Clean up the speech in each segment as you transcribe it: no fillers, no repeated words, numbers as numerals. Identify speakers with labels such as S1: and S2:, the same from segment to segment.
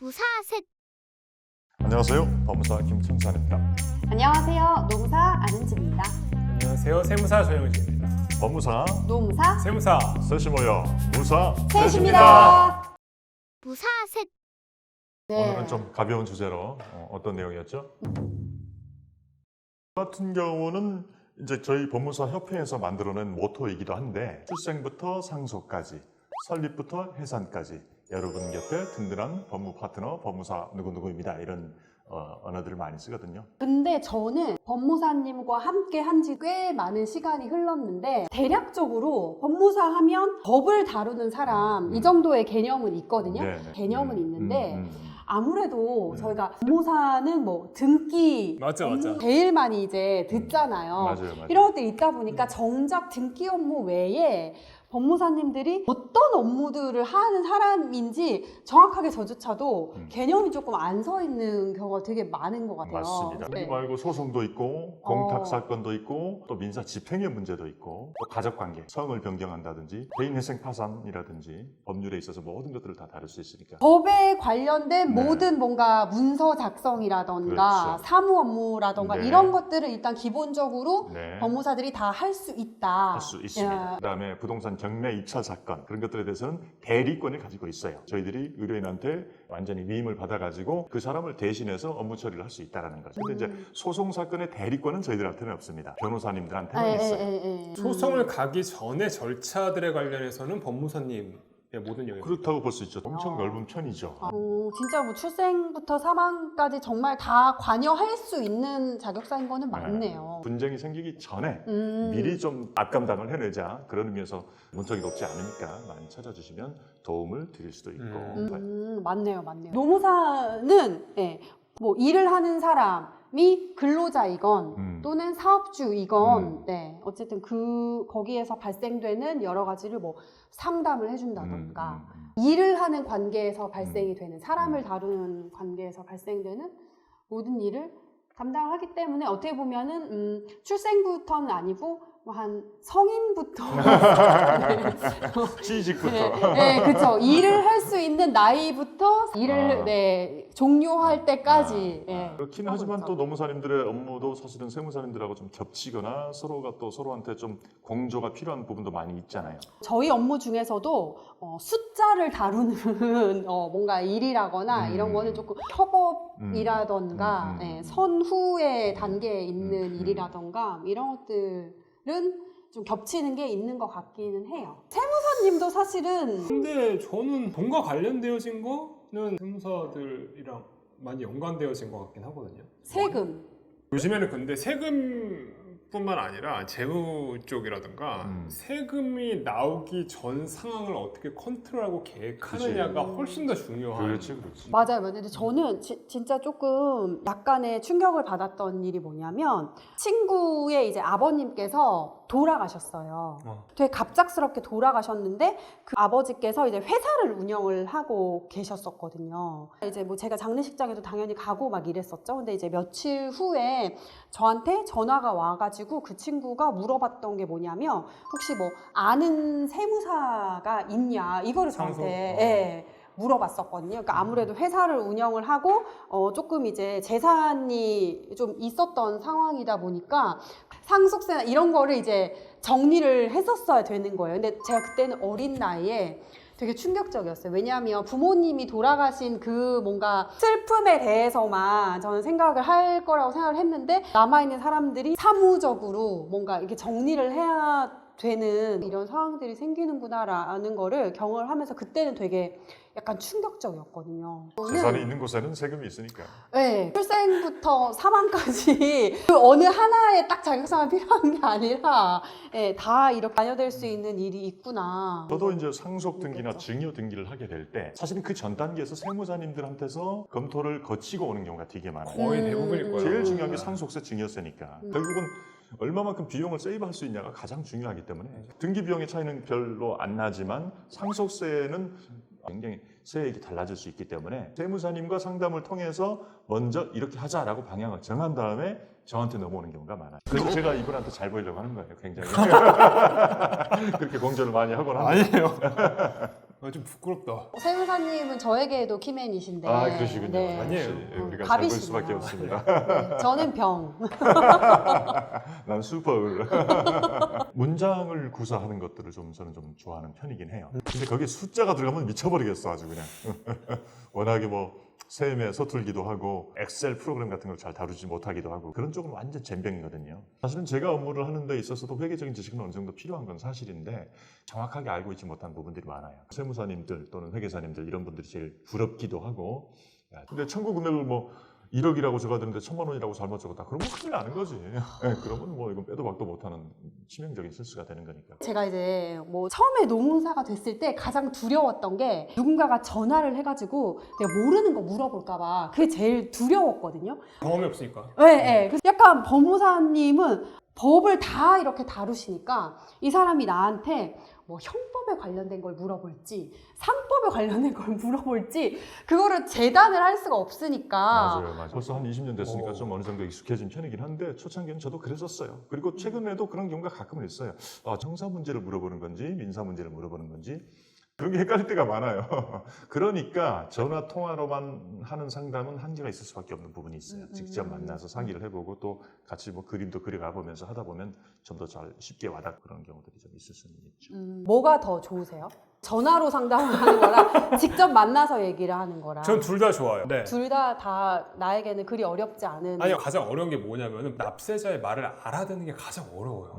S1: 무사셋.
S2: 안녕하세요. 법무사 김청산입니다.
S3: 안녕하세요. 노무사 안은지입니다.
S4: 안녕하세요. 세무사 조영진입니다.
S2: 법무사
S3: 노무사
S4: 세무사
S2: 셋이 모여 무사
S3: 셋입니다.
S1: 무사셋.
S2: 오늘은 좀 가벼운 주제로 어떤 내용이었죠? 같은 경우는 이제 저희 법무사 협회에서 만들어낸 모토이기도 한데 출생부터 상속까지, 설립부터 해산까지 여러분 곁에 든든한 법무 파트너 법무사 누구누구입니다. 이런 언어들을 많이 쓰거든요.
S3: 근데 저는 법무사님과 함께 한 지 꽤 많은 시간이 흘렀는데 대략적으로 법무사 하면 법을 다루는 사람 이 정도의 개념은 있거든요.
S2: 네네.
S3: 개념은 있는데 아무래도 저희가 법무사는 뭐 등기
S4: 맞아.
S3: 제일 많이 이제 듣잖아요.
S2: 맞아요.
S3: 이런 것들이 있다 보니까 정작 등기 업무 외에 법무사님들이 어떤 업무들을 하는 사람인지 정확하게 저조차도 개념이 조금 안 서 있는 경우가 되게 많은 것 같아요.
S2: 맞습니다.
S3: 네.
S2: 그거 말고 소송도 있고 공탁 사건도 있고 또 민사 집행의 문제도 있고 또 가족관계, 성을 변경한다든지 개인회생 파산이라든지 법률에 있어서 모든 것들을 다 다룰 수 있으니까.
S3: 법에 관련된
S2: 네.
S3: 모든 뭔가 문서 작성이라던가
S2: 그렇죠.
S3: 사무 업무라던가
S2: 네.
S3: 이런 것들을 일단 기본적으로
S2: 네.
S3: 법무사들이 다 할 수 있다.
S2: 할 수 있습니다.
S3: 예.
S2: 그다음에 부동산 경매 입찰 사건 그런 것들에 대해서는 대리권을 가지고 있어요. 저희들이 의뢰인한테 완전히 위임을 받아가지고 그 사람을 대신해서 업무 처리를 할 수 있다라는 거죠. 근데 이제 소송 사건의 대리권은 저희들한테는 없습니다. 변호사님들한테는 있어요.
S4: 소송을 가기 전에 절차들에 관련해서는 법무사님의 모든 영역.
S2: 그렇다고 볼 수 있죠. 엄청 넓은 편이죠.
S3: 진짜 뭐 출생부터 사망까지 정말 다 관여할 수 있는 자격사인 거는 맞네요.
S2: 분쟁이 생기기 전에
S3: 음.
S2: 미리 좀 앞감당을 해내자. 그런 의미에서 문턱이 높지 않으니까 많이 찾아주시면 도움을 드릴 수도 있고.
S3: 맞네요. 노무사는 뭐 일을 하는 사람이 근로자이건 또는 사업주이건 어쨌든 거기에서 발생되는 여러 가지를 뭐 상담을 해준다던가 일을 하는 관계에서 발생이 되는 사람을 다루는 관계에서 발생되는 모든 일을 담당을 하기 때문에 어떻게 보면은 출생부터는 아니고 뭐 한 성인부터
S2: 취직부터.
S3: 그렇죠. 일을 할 수 있는 나이부터 일을 종료할 때까지
S2: 그렇긴 하지만 또 노무사님들의 업무도 사실은 세무사님들하고 좀 겹치거나 서로가 또 서로한테 좀 공조가 필요한 부분도 많이 있잖아요.
S3: 저희 업무 중에서도 숫자를 다루는 뭔가 일이라거나 이런 거는 조금 협업이라던가 선후의 단계에 있는 일이라던가 이런 것들은 좀 겹치는 게 있는 것 같기는 해요. 세무사님도 사실은
S4: 근데 저는 돈과 관련되어진 거는 세무사들이랑 많이 연관되어진 것 같긴 하거든요.
S3: 세금
S4: 요즘에는 근데 세금뿐만 아니라 재무 쪽이라든가 세금이 나오기 전 상황을 어떻게 컨트롤하고 계획하느냐가 훨씬 더 중요한.
S2: 그렇지.
S3: 맞아요. 근데 저는 진짜 조금 약간의 충격을 받았던 일이 뭐냐면 친구의 이제 아버님께서 돌아가셨어요. 되게 갑작스럽게 돌아가셨는데 그 아버지께서 이제 회사를 운영을 하고 계셨었거든요. 이제 뭐 제가 장례식장에도 당연히 가고 막 이랬었죠. 근데 이제 며칠 후에 저한테 전화가 와가지고 그 친구가 물어봤던 게 뭐냐면 혹시 뭐 아는 세무사가 있냐 이거를 저한테 물어봤었거든요. 그러니까 아무래도 회사를 운영을 하고 조금 이제 재산이 좀 있었던 상황이다 보니까 상속세나 이런 거를 이제 정리를 했었어야 되는 거예요. 근데 제가 그때는 어린 나이에 되게 충격적이었어요. 왜냐하면 부모님이 돌아가신 그 뭔가 슬픔에 대해서만 저는 생각을 할 거라고 생각을 했는데 남아있는 사람들이 사무적으로 뭔가 이렇게 정리를 해야 되는 이런 상황들이 생기는구나라는 거를 경험을 하면서 그때는 되게 약간 충격적이었거든요.
S2: 재산이 있는 곳에는 세금이 있으니까.
S3: 네, 출생부터 사망까지 그 어느 하나의 딱 자격사만 필요한 게 아니라 다 이렇게 관여될 수 있는 일이 있구나.
S2: 저도 이제 상속 등기나 증여 등기를 하게 될 때 사실은 그 전 단계에서 세무사님들한테서 검토를 거치고 오는 경우가 되게 많아요.
S4: 거의 대부분일 거예요.
S2: 제일 중요한 게 상속세, 증여세니까. 결국은 얼마만큼 비용을 세이브할 수 있냐가 가장 중요하기 때문에 등기 비용의 차이는 별로 안 나지만 상속세는 굉장히 세액이 달라질 수 있기 때문에 세무사님과 상담을 통해서 먼저 이렇게 하자라고 방향을 정한 다음에 저한테 넘어오는 경우가 많아요. 그래서 제가 이분한테 잘 보이려고 하는 거예요, 굉장히. 그렇게 공조를 많이 하곤 합니다.
S4: 아니에요. 좀 부끄럽다.
S3: 세무사님은 저에게도 키맨이신데.
S2: 그러시군요.
S3: 네.
S4: 아니에요.
S2: 역시 우리가 잘 볼
S3: 갑이시네요.
S2: 수밖에 없습니다.
S3: 네, 저는 병.
S2: 난 슈퍼울. 문장을 구사하는 것들을 저는 좀 좋아하는 편이긴 해요. 근데 거기에 숫자가 들어가면 미쳐버리겠어 아주 그냥. 워낙에 뭐 세임에 서툴기도 하고 엑셀 프로그램 같은 걸 잘 다루지 못하기도 하고 그런 쪽은 완전 젬병이거든요. 사실은 제가 업무를 하는 데 있어서도 회계적인 지식은 어느 정도 필요한 건 사실인데 정확하게 알고 있지 못한 부분들이 많아요. 세무사님들 또는 회계사님들 이런 분들이 제일 부럽기도 하고 근데 청구 금액을 뭐 1억이라고 적어드는데 1,000만 원이라고 잘못 적었다. 그러면 큰일 나는 거지. 그러면 뭐 이건 빼도 박도 못하는 치명적인 실수가 되는 거니까.
S3: 제가 이제 뭐 처음에 노무사가 됐을 때 가장 두려웠던 게 누군가가 전화를 해가지고 내가 모르는 거 물어볼까봐 그게 제일 두려웠거든요.
S4: 경험이 없으니까.
S3: 네. 그래서 약간 법무사님은 법을 다 이렇게 다루시니까 이 사람이 나한테 뭐 형법에 관련된 걸 물어볼지 상법에 관련된 걸 물어볼지 그거를 재단을 할 수가 없으니까
S2: 맞아요. 벌써 한 20년 됐으니까 좀 어느 정도 익숙해진 편이긴 한데 초창기는 저도 그랬었어요. 그리고 최근에도 그런 경우가 가끔은 있어요. 형사 문제를 물어보는 건지 민사 문제를 물어보는 건지 그런 게 헷갈릴 때가 많아요. 그러니까 전화 통화로만 하는 상담은 한계가 있을 수밖에 없는 부분이 있어요. 직접 만나서 상의를 해보고 또 같이 뭐 그림도 그려가 보면서 하다 보면 좀 더 잘 쉽게 와닿고 그런 경우들이 좀 있을 수는 있죠.
S3: 뭐가 더 좋으세요? 전화로 상담을 하는 거랑 직접 만나서 얘기를 하는 거랑
S4: 전 둘 다 좋아요. 네.
S3: 둘 다 나에게는 그리 어렵지 않은
S4: 아니요, 가장 어려운 게 뭐냐면은 납세자의 말을 알아듣는 게 가장 어려워요.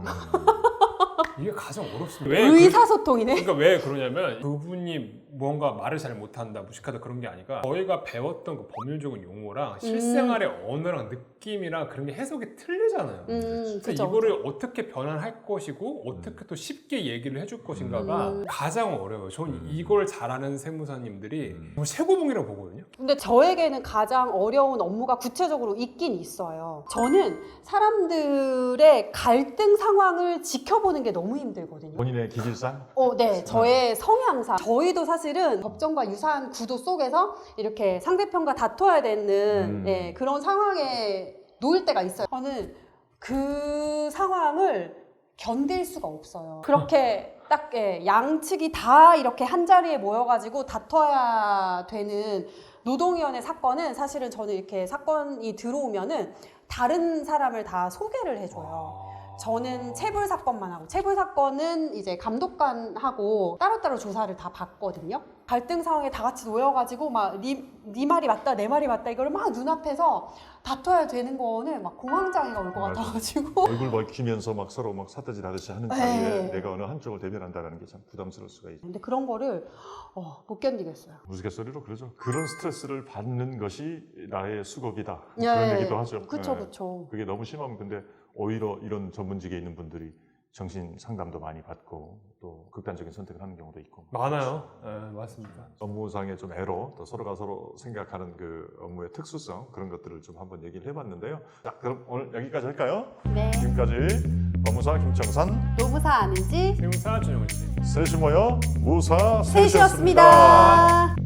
S4: 이게 가장 어렵습니다. 왜
S3: 의사소통이네.
S4: 그러니까 왜 그러냐면 그분이 뭔가 말을 잘 못한다, 무식하다 그런 게 아니라 저희가 배웠던 그 법률적인 용어랑 실생활의 언어랑 느낌이랑 그런 게 해석이 틀리잖아요. 그래서
S3: 그쵸.
S4: 이거를 어떻게 변환할 것이고 어떻게 또 쉽게 얘기를 해줄 것인가가 가장 어려워요. 저는 이걸 잘하는 세무사님들이 정말 최고봉이라고 보거든요.
S3: 근데 저에게는 가장 어려운 업무가 구체적으로 있긴 있어요. 저는 사람들의 갈등 상황을 지켜보는 게 너무 힘들거든요.
S2: 본인의 기질상?
S3: 네, 저의 성향상 저희도 사실은 법정과 유사한 구도 속에서 이렇게 상대편과 다퉈야 되는 그런 상황에 놓일 때가 있어요. 저는 그 상황을 견딜 수가 없어요. 그렇게 딱 양측이 다 이렇게 한 자리에 모여가지고 다퉈야 되는 노동위원회 사건은 사실은 저는 이렇게 사건이 들어오면은 다른 사람을 다 소개를 해줘요. 저는 체불 사건만 하고 체불 사건은 이제 감독관하고 따로따로 조사를 다 받거든요. 갈등 상황에 다 같이 놓여가지고 막 네 말이 맞다 내 말이 맞다 이걸 막 눈앞에서 다퉈야 되는 거는 막 공황장애가 올 것 같아가지고
S2: 얼굴 먹히면서 막 서로 막 사태질 하듯이 하는 자리에 내가 어느 한쪽을 대변한다는 게 참 부담스러울 수가 있죠.
S3: 근데 그런 거를 못 견디겠어요.
S2: 우스갯소리로 그러죠. 그런 스트레스를 받는 것이 나의 수고이다.
S3: 예,
S2: 그런 얘기도 하죠.
S3: 그쵸,
S2: 예.
S3: 그쵸.
S2: 그게 너무 심하면 근데 오히려 이런 전문직에 있는 분들이 정신 상담도 많이 받고 또 극단적인 선택을 하는 경우도 있고
S4: 많아요. 네, 맞습니다.
S2: 업무상의 좀 애로 또 서로가 서로 생각하는 그 업무의 특수성 그런 것들을 좀 한번 얘기를 해봤는데요. 자, 그럼 오늘 여기까지 할까요?
S3: 네.
S2: 지금까지 법무사 김정산,
S3: 노무사 아는지
S4: 세무사 준영훈 씨.
S2: 셋이 모여 무사 셋이었습니다.
S3: 셋이었습니다.